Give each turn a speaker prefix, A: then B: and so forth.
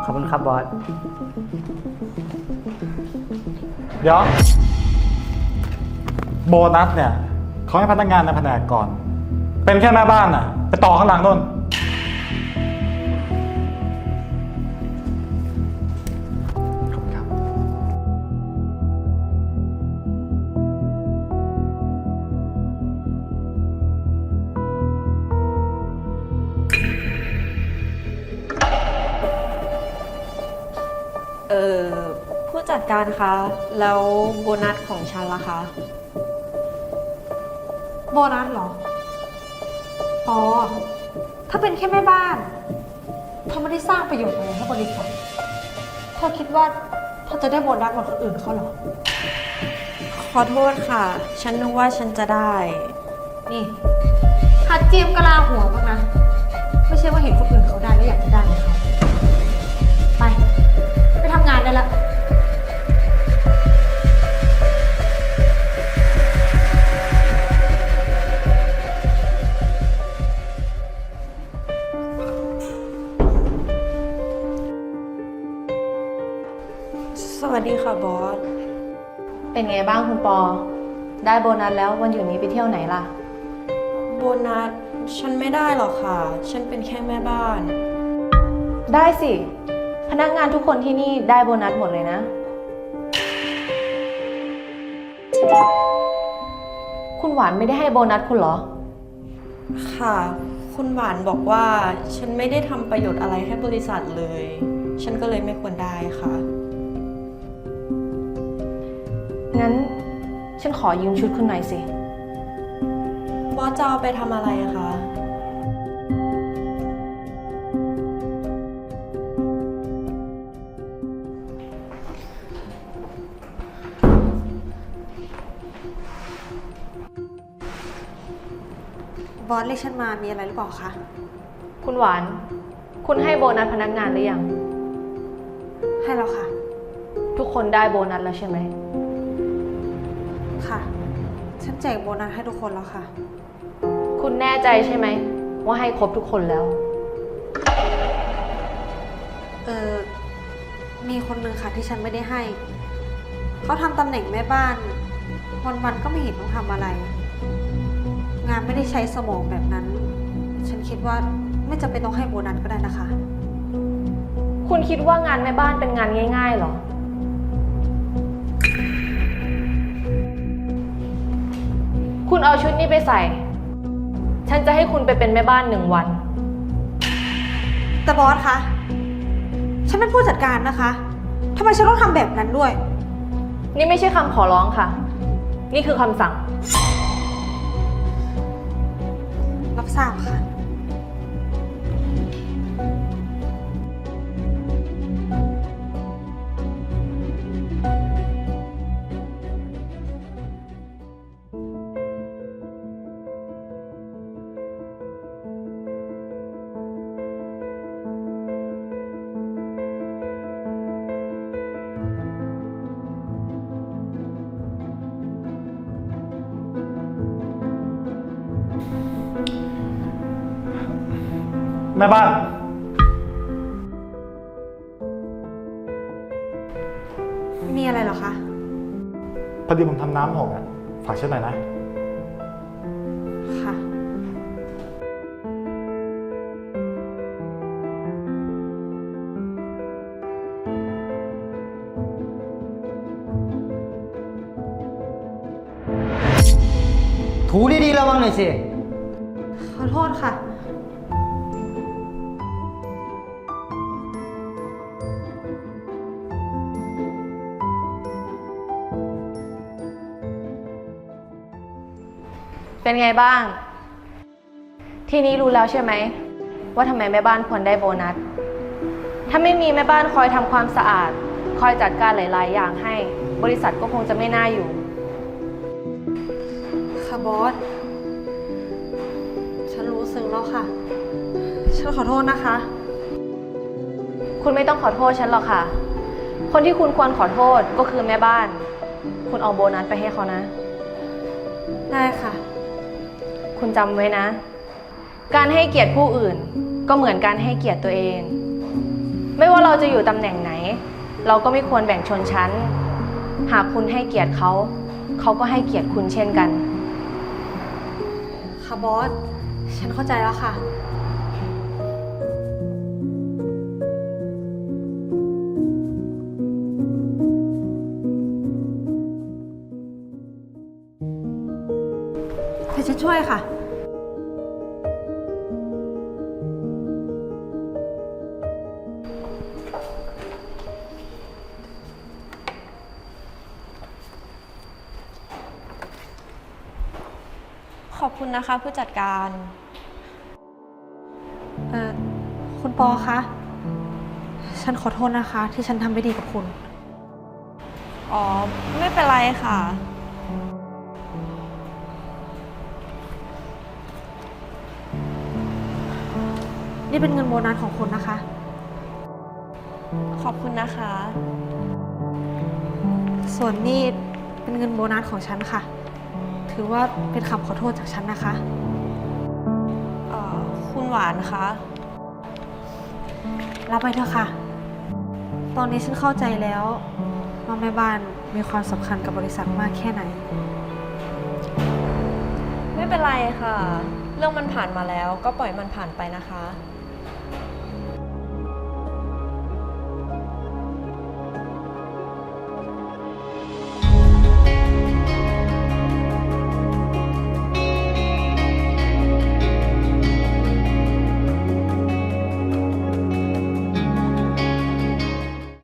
A: ขอบคุณครับบอส
B: เดี๋ยวโบนัสเนี่ยเขาให้พนักงานในแผนกก่อน เป็นแค่แม่บ้านอ่ะไปต่อข้างหลังนู่นขอบคุณครับ
C: ผู้จัดการคะแล้วโบนัสของฉันล่ะคะ
D: โบนัสเหรออ๋อถ้าเป็นแค่แม่บ้านเธอไม่ได้สร้างประโยชน์อะไรให้บริษัทเธอคิดว่าเธอจะได้โบนัสเหมือนคนอื่นเขาเหรอ
C: ขอโทษค่ะ ฉันนึกว่าฉันจะได้
D: นี่หัดเจียมกะลาหัวบ้างนะ ไม่ใช่ว่าเห็นคนอื่นเขาได้แล้วอยากจะได้เหมือนเขาไปทำงานได้ละ
C: สวัสดีค่ะบอส
E: เป็นไงบ้างคุณปอ ได้โบนัสแล้ววันหยุดนี้ไปเที่ยวไหนล่ะ
C: โบนัสฉันไม่ได้หรอกค่ะ ฉันเป็นแค่แม่บ้าน
E: ได้สิ พนักงานทุกคนที่นี่ได้โบนัสหมดเลยนะ คุณหวานไม่ได้ให้โบนัสคุณเหรอ
C: ค่ะ คุณหวานบอกว่าฉันไม่ได้ทำประโยชน์อะไรให้บริษัทเลย ฉันก็เลยไม่ควรได้ค่ะ
E: งั้นฉันขอยืมชุดคุณหน่อยสิ
C: บอสจะเอาไปทำอะไรคะ
D: บอสเรียกฉันมามีอะไรหรือเปล่าคะ
E: คุณหวาน คุณให้โบนัสพนักงานหรือยัง
D: ให้แล้วค่ะ
E: ทุกคนได้โบนัสแล้วใช่ไหม
D: ค่ะ ฉันแจกโบนัสให้ทุกคนแล้วค่ะ
E: คุณแน่ใจใช่ไหมว่าให้ครบทุกคนแล้ว
D: มีคนนึงค่ะที่ฉันไม่ได้ให้ เขาทำตำแหน่งแม่บ้าน วันๆก็ไม่เห็นต้องทำอะไร งานไม่ได้ใช้สมองแบบนั้น ฉันคิดว่าไม่จำเป็นต้องให้โบนัสก็ได้นะคะ
E: คุณคิดว่างานแม่บ้านเป็นงานง่ายๆหรอ คุณเอาชุดนี้ไปใส่ ฉันจะให้คุณไปเป็นแม่บ้าน1 วัน
D: แต่บอสคะ ฉันเป็นผู้จัดการนะคะทำไมฉันต้องทำแบบนั้นด้วย
E: นี่ไม่ใช่คำขอร้องค่ะ นี่คือคำสั่ง
D: รับทราบค่ะ
B: แม่บ้าน
D: มีอะไรเหรอคะ
B: พอดีผมทำน้ำหกอ่ะฝากเช็ดหน่อยนะ
D: ค่ะ
A: ถูดีๆระวังหน่อยสิ
D: ขอโทษค่ะ
E: เป็นไงบ้าง ทีนี้รู้แล้วใช่ไหมว่าทำไมแม่บ้านควรได้โบนัส ถ้าไม่มีแม่บ้านคอยทำความสะอาด คอยจัดการหลายๆอย่างให้ บริษัทก็คงจะไม่น่าอยู่
D: ค่ะบอส ฉันรู้สึกแล้วค่ะ ฉันขอโทษนะคะ
E: คุณไม่ต้องขอโทษฉันหรอกค่ะ คนที่คุณควรขอโทษก็คือแม่บ้าน คุณเอาโบนัสไปให้เขานะ
D: ได้ค่ะ
E: คุณจำไว้นะ การให้เกียรติผู้อื่นก็เหมือนการให้เกียรติตัวเอง ไม่ว่าเราจะอยู่ตำแหน่งไหน เราก็ไม่ควรแบ่งชนชั้น หากคุณให้เกียรติเขา เขาก็ให้เกียรติคุณเช่นกัน
D: ค่ะบอส ฉันเข้าใจแล้วค่ะ เดี๋ยวฉันช่วยค่ะ
C: ขอบคุณนะคะผู้จัดการ
D: คุณปอคะ ฉันขอโทษนะคะ ที่ฉันทำไม่ดีกับคุณ
C: อ๋อ ไม่เป็นไรค่ะ
D: นี่เป็นเงินโบนัสของคุณนะคะ
C: ขอบคุณนะคะ
D: ส่วนนี่เป็นเงินโบนัสของฉันค่ะ ถือว่าเป็นคำขอโทษจากฉันนะคะ
C: คุณหวานคะ
D: รับไปเถอะค่ะ ตอนนี้ฉันเข้าใจแล้วว่าแม่บ้านมีความสำคัญกับบริษัทมากแค่ไหน
C: ไม่เป็นไรค่ะ เรื่องมันผ่านมาแล้วก็ปล่อยมันผ่านไปนะคะ